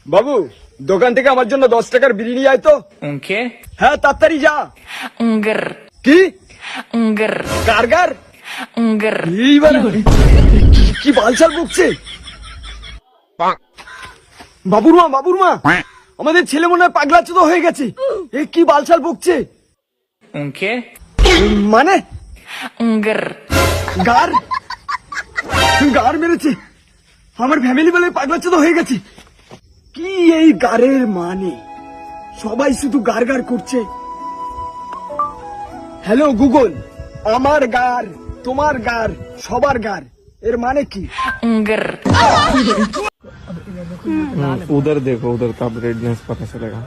বাবু, দোকান থেকে আমার জন্য 10 টাকার বিরিয়ানি আয় তো। উনকে হ্যাঁ, তাড়াতাড়ি যা। উঙ্গর কি উঙ্গর কারগার? উঙ্গর এইবার কি বালছাল বকছে। বাবুর মা, আমাদের ছেলে মনে হয় পাগলাচোদা হয়ে গেছে। এ কি বালছাল বকছে। উনকে মানে উঙ্গর গার গার মেরেছে। আমার ফ্যামিলি বলে পাগলাচোদা হয়ে গেছে। কি এই গারের মানে? সবাই শুধু গার গার করছে। হ্যালো গুগল, আমার গার, তোমার গার, সবার গার এর মানে কি? उंगर उधर देखो, उधर का रेडनेस पता चलेगा।